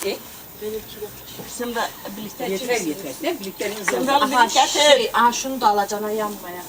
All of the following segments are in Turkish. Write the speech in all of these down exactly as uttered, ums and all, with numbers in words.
E? Şimdi birlikte Yeter yeter. Ne birlikleriniz Şimdi var? alıp Aha, getir. şey, aha şunu da alacaksın yanmaya.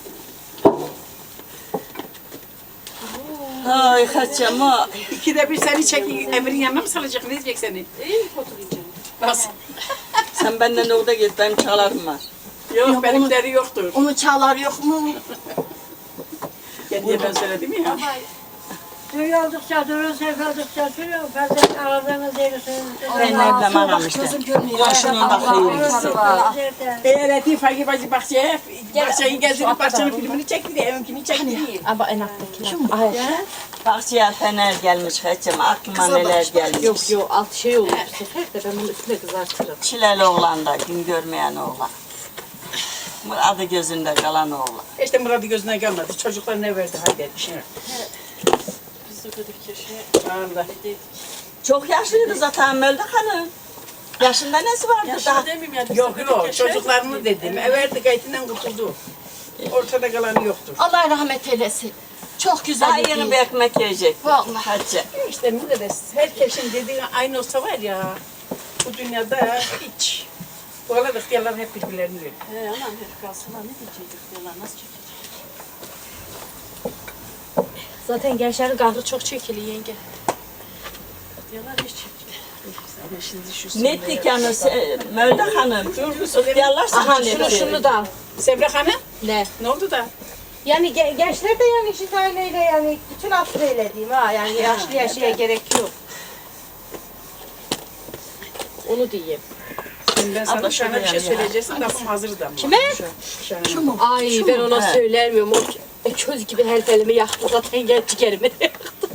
Ay kaçacağım o. İkide bir seni çek, Emir'in yanına mı salacak? Ne diyecek seni? İyi oturacağım. Nasıl? Sen benden orada git, benim çalarım var. Yok, Yok, benimleri yoktur. Onu çağlar yok mu? Gel diye ben söyledim ya. Suyu oldukça durun, sevdikçe sürüyor. Bazen aradığınız yeri Ben evden anam işte. Gözüm görmüyor. Komşunun bakıyor gitsin. Eğer eti fakir bacı bahçeye, bahçeyi gezdirip bahçenin filmini çekti de evinkini çekti diye. Ama en alttakiler. Ay. Bahçeye fener gelmiş kaçacağım, aklıma neler gelmiş. Yok yok alt şey olur bu sefer de ben bunu üstüne kızartırım. Çileli oğlan da, gün görmeyen oğlan. Adı gözünde kalan oğlan. İşte Murat'ı gözüne gelmedi. Çocuklar ne verdi hadi şimdi. Biz de dedik ki şey. Allah. Çok yaşlıydı zaten Melda Hanım. Yaşında nesi vardı daha? Yaşlı demeyeyim ya. biz Yok de yok dedik ki şey- çocuklarını dedim. E verdi gayetinden kurtuldu. Ortada kalanı yoktur. Allah rahmet eylesin. Çok güzel Daha bir yeni gün. bir ekmek yiyecek. Vallahi. Hacı. İşte millet herkesin dediği aynı olsa var ya. Bu dünyada hiç. Bu arada ihtiyarlar hep birbirlerini veriyor. He aman herif kalsın ne diyecektik diyorlar nasıl çekecek? Zaten gençlerin kahrı çok çekili yenge. Diyorlar hiç çekili. Ama şimdi şu Ne ettik yani se- Melda Hanım? İhtiyarlar Aha sana şunu etti. şunu da al. Semra Hanım Ne? ne oldu da? Yani ge- gençler de yani işit aileyle yani bütün asrıyla diyeyim ha yani yaşlı yaşaya gerek yok. Onu diyeyim. Şimdi ben sana Abla şöyle bir şey şöyle yani. söyleyeceksin lafım hazırdı ama. Kime? Şu mu? Ay ben ona He. söylemiyorum. O e, köz gibi her elimi yaktı zaten genç ciğerimi de yaktı.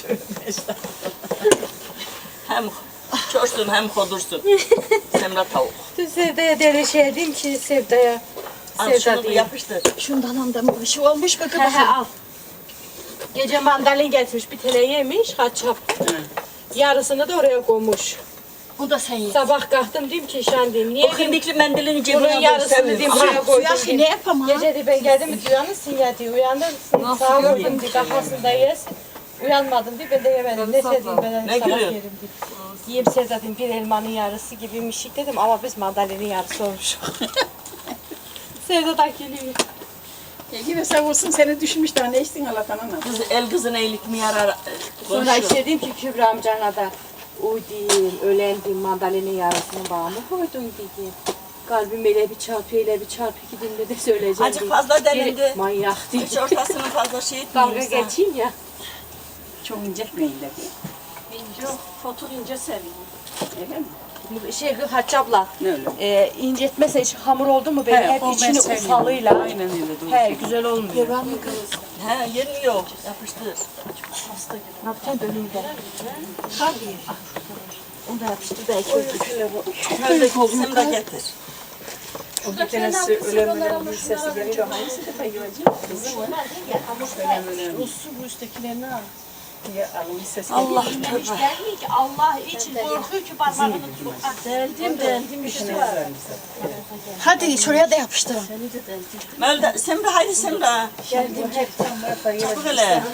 Hem çoşsun hem kodursun. Semra tavuk. Dün Sevda'ya deli şey dedim ki Sevda'ya. Al Sevda şunu bir diyeyim. yapıştır. Şundan anda bir şey olmuş bakın. He he al. Gece mandalin getirmiş bir tane yemiş kaçap. Yarısını da oraya koymuş. Bu da sen ye. Sabah kalktım dedim ki şan diyeyim. O Niye diyeyim, kındikli mendilin bunun cebine yarısını diyeyim buraya koydum Ya diyeyim. ne yapamam? Gece de ben geldim mi uyanırsın ya diye uyanırsın. Sağ vurdum diye kafasında yesin. Uyanmadım diye ben de yemedim. Ne sevdiğim ben Ne sabah gülüyor? yerim diye. Yiyeyim Sevda'dım bir elmanın yarısı gibi bir şey dedim ama biz mandalinin yarısı olmuş. Sevda da gülüyor. Ya yine sağ olsun seni düşmüş daha ne içtin Allah'tan ana. Kız, el kızına iyilik mi yarar? Sonra Konuşuyor. işte dedim ki Kübra amcana da uy diyeyim, ölen diyeyim mandalinin yarısını bana mı koydun diyeyim. Kalbim öyle bir çarpıyor, öyle bir çarpıyor ki dinle de söyleyeceğim. Azıcık diyeyim. fazla delindi. Biri Manyak diye. Hiç ortasını fazla şey Dalga etmiyorsa. geçeyim ya. Çok incetmeyin de. İnce, fotur ince seviyorum. Öyle mi? Şey Hatice abla, Ne öyle? e, incetmese hiç hamur oldu mu böyle He, hep o ben içini sevmiyorum. ufalıyla. Aynen öyle. Doğru. He güzel olmuyor. He yeri yok. Yapıştır. Ne yapacaksın bölümde? Tabii. Onu da yapıştır belki. Şöyle Semra getir. O bir tanesi ölen ölen bir sesi geliyor. Hangisi de bayılacak? Kızım var. Ölen ölen. Rusu bu üsttekilerini al. Ya alın bir ses Allah Hiç tövbe. gelmiyor ki Allah için korkuyor ki parmağını sokar. Deldim deldim işte var. Hadi şuraya da yapıştırın. Melda, Semra haydi Semra. Geldim hep. Çabuk hele.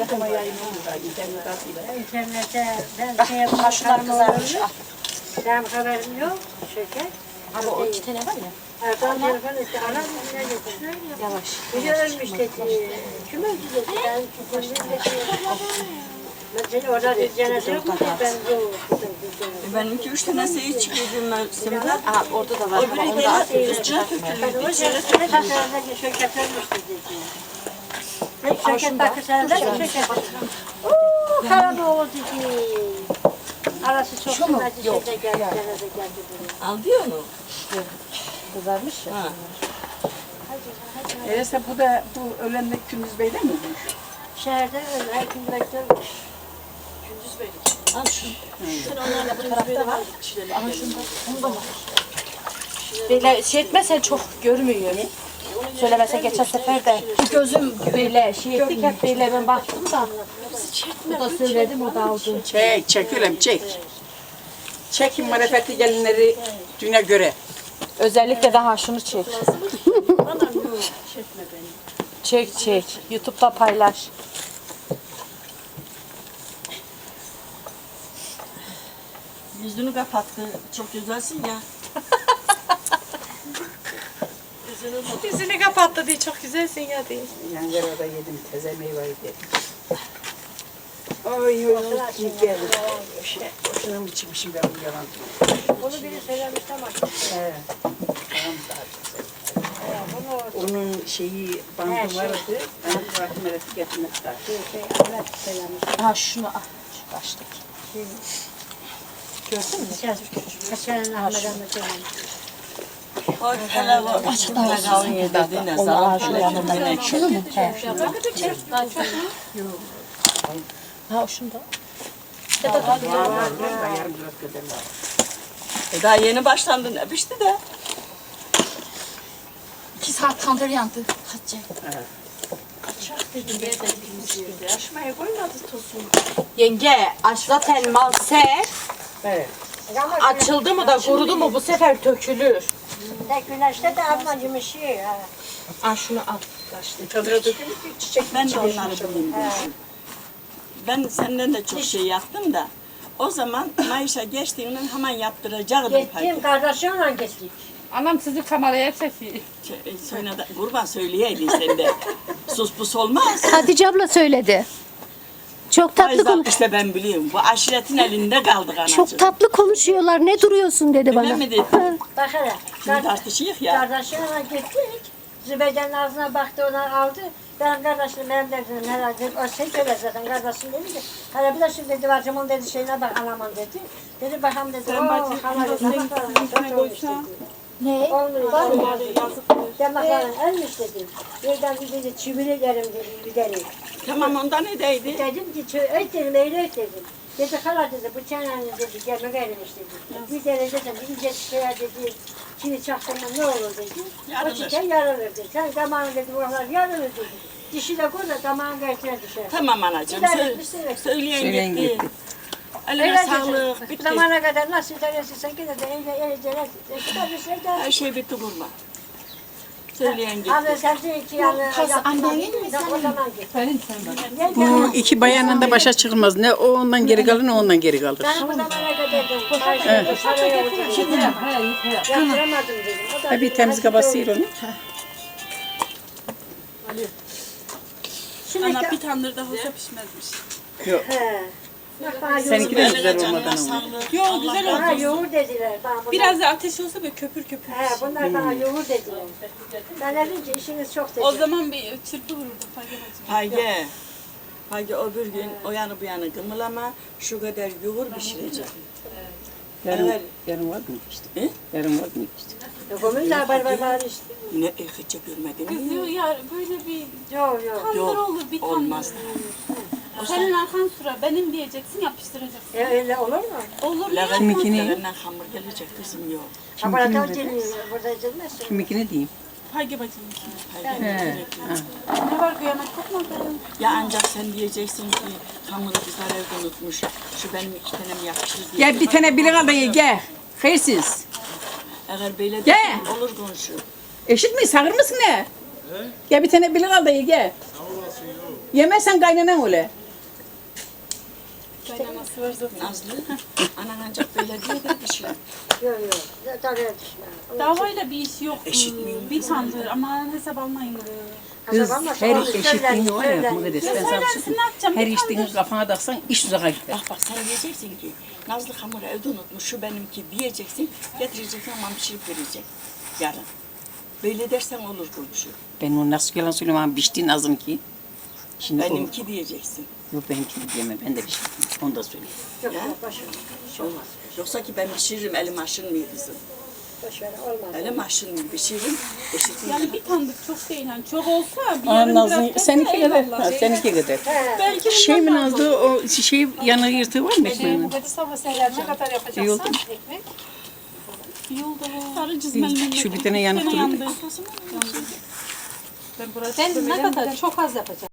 İnternette ben şey yapmam. Şunlar kızarmış. Al. Benim haberim yok. Şeker. Ama o iki tane var ya. Erkan telefon etti. Anam ne getirdi? Yavaş. Biri ölmüş dedi. Kim öldü dedi. Ben kimsenin dedi. Ben seni orada bir cenaze yok mu dedi. Ben yok. Benimki üç tanesi iyi çıkıyor ben Semra. Aha orada da var. Öbürü Onu da gene üstüne Ben tökülüyor. o İçeri cenaze şekerden şeker ölmüş dedi. Ben şeker takı seneden şeker. Ooo Karadoğlu dedi. Arası çok kıymetli şeyde geldi. Cenaze geldi buraya. Al diyor mu? kızarmış ya. Ha. Öyleyse bu da bu ölen de Gündüz Bey'de mi? Şehirde öyle. Her gün bekliyorum. Al şunu. Onlarla bu tarafta var. Aha şunda. Onu da var. Böyle şey etmezsen çok görmüyor. Söylemese geçen sefer de gözüm böyle şey ettik hep böyle ben baktım da. Bu da söyledim o da aldı. Çek, çek öyle çek. Çekin marifetli gelinleri düğüne göre. Özellikle daha şunu çek. Çek çek. YouTube'da paylaş. Yüzünü kapattı. Çok güzelsin ya. Yüzünü kapattı diye çok güzelsin ya diye. Ankara'da yedim, teze meyveyi yedim. Ay oy iyi geldi. Şey, boşuna mı içmişim ben bu yalan? Bunu biri söylemiş ama. He. Tamam daha güzel. Onun şeyi bandı vardı. Ben bıraktım öyle getirmek daha. Şey, şey, Ahmet söylemiş. Ha şunu al. Şu baştaki. Gördün mü? Geçen, geçen Ahmet Ahmet söylemiş. Bak hele o açıkta kalın yedirdin. Zaten şöyle yanına. Şunu mu? He. Ha şunu da. Var var var. Yarım biraz kadar var. E daha yeni başlandı ne pişti de. İki saat tandır yandı. Hatice. Aşmaya koymadı tuzunu. Yenge aç zaten mal ser. Evet. Ama Açıldı mı da kurudu mu bu sefer dökülür. de güneşte de almacım işi. Ha. Al şunu al. Çadıra dökülür ki çiçek Ben de onları bileyim. Ben senden de çok şey yaptım da. O zaman Mayış'a geçtiğinden hemen yaptıracaktım. Gittim kardeşimle gittik. Anam sizi kameraya çekiyor. Sonra da kurban söyleyeydin sen de. Sus pus olmaz. Hatice abla söyledi. Çok tatlı Faiz konuş. işte ben biliyorum. Bu aşiretin elinde kaldık anacığım. Çok tatlı konuşuyorlar. Ne duruyorsun dedi Öyle bana. mi dedi? Bak hele. Şimdi tartışıyık ya. Kardeşimle gittik. Zübeyde'nin ağzına baktı, onu aldı. Benim kardeşim, benim dedim herhalde, o şey söyledi zaten, kardeşim dedi ki, hele bir de şimdi dedi, bacımın dedi, şeyine bak, anamın dedi. Dedi, bakalım dedi, ooo, hala dedi, bak olmuş dedi. Ne? Olmuyor, olmuyor dedi. Demakların ölmüş dedi. Birden bir dedi, çivililerim dedi, giderim. Tamam ondan ne deydi? Dedim ki, öt dedim, öyle öt dedim. Dedi, hala dedi, bu çeneni dedi, gelmek erimiş dedi. Bir derece dedi, bir ince çiçeğe dedi, çivi çaktırma ne olur dedi. Yarılır. O çiçeğe yarılır dedi. Sen damağın dedi, oralar yarılır dedi. Dişi de koy da damağın karşısına düşer. Tamam anacığım. Bir Sö dakika, söyleyen gitti. Eline Öyle sağlık. dedi. Bitti. Zamana kadar nasıl teresiyorsan gene de eyle eyle eyle. İşte bir şey de. Her şey bitti kurban. Söyleyen gitti. Abi sen de iki yanı Kız yapma. annenin mi O zaman git. Senin sen bak. Gel Bu gel. iki bayanın da başa çıkılmaz. Ne o ondan geri kalır ne ondan geri kalır. Ben bu zamana kadar dedim. Evet. Paraya oturayım. Yaptıramadım dedim. O da Ha bir dedi, temiz hadi kabası doğru. yer onu. Şimdi Ana bir tandırda olsa pişmezmiş. he. Bak bana yoğurt Seninki de dediler. güzel Canına olmadan oldu. sağlık. Yo güzel Bana oldu. yoğurt dediler. Bana bunlar, Biraz da ateş olsa böyle köpür köpür. he, bunlar bana yoğurt dediler. Ben dedim ki işiniz çok dedim. O zaman bir çırpı vururduk Fayda bacım. Hayge. Hayge o bir gün o yanı bu yanı gımılama. Şu kadar yoğur pişirecek. Yarın, Evet. yarın var mı işte? He? Yarın var mı işte? Komün de var var var işte. Ne e, hiç görmedin Kız mi? diyor ya böyle bir Yok yok. tandır Yok, olur bir tandır. olmaz. Senin arkan sıra benim diyeceksin yapıştıracaksın. E, öyle olur mu? Olur mu? Levent Kiminkini? Levent'den hamur gelecek kızım yok. Laboratuvar cilmiyor. Burada edilmez. Kimikini diyeyim. Fayda bacım. Hayge. Ne var kıyamet kopmadı. Ya ancak sen diyeceksin ki hamuru kızlar evde unutmuş. Şu benim iki tanem yapıştır diye. Gel bir tane bilin al da ye gel. Hayırsız. Eğer böyle Gel. dersen olur komşu. Eşit mi? Sağır mısın ne? Gel bir tane bilin al da ye gel. Yemezsen kaynanan öyle. Kaynanası var zaten. Nazlı. Anan ancak böyle diye de bir şey. Yok yok. Tabii düşme. Davayla bir iş yok. Eşit miyim? Bir tandır ama hesap almayın. Kız her eşitliğini var ya bu kadar. Ben sana bir şey Söylersin söyleyeyim. ne yapacağım? Her Bir içtiğini tandır. kafana taksan iş uzağa gider. Bak bak sen diyeceksin ki Nazlı hamuru evde unutmuş şu benimki diyeceksin. Getireceksin ama pişirip verecek. Yarın. Böyle dersen olur komşu. Ben onu nasıl yalan söyleyeyim ama biçtiğin azım ki. Şimdi o, Benimki diyeceksin. yok benimki de diyemem ben de biçtim. Onu da söyleyeyim. Yok Ya. yok boş ver. Olmaz. Yoksa ki ben pişiririm elim aşınmıyor kızım. Boş ver olmaz. Elim aşınmıyor pişiririm. Eşitliğini Yani bir tandır çok değil. Yani çok olsa bir Aa, yarım Nazlı, biraz seninki bekle, kadar. eyvallah. Ha, seninki kadar. Belki Şey mi bundan daha Nazlı o şey yanı yırtığı var mı ekmeğinin? Dedi sabah seher ne kadar yapacaksın? İyi oldu mu? Ekmek. iyi oldu. Sarı cizmeli. Şu bir tane yanık Bir tane duruyor. yandı. Sen ne kadar çok az yapacaksın.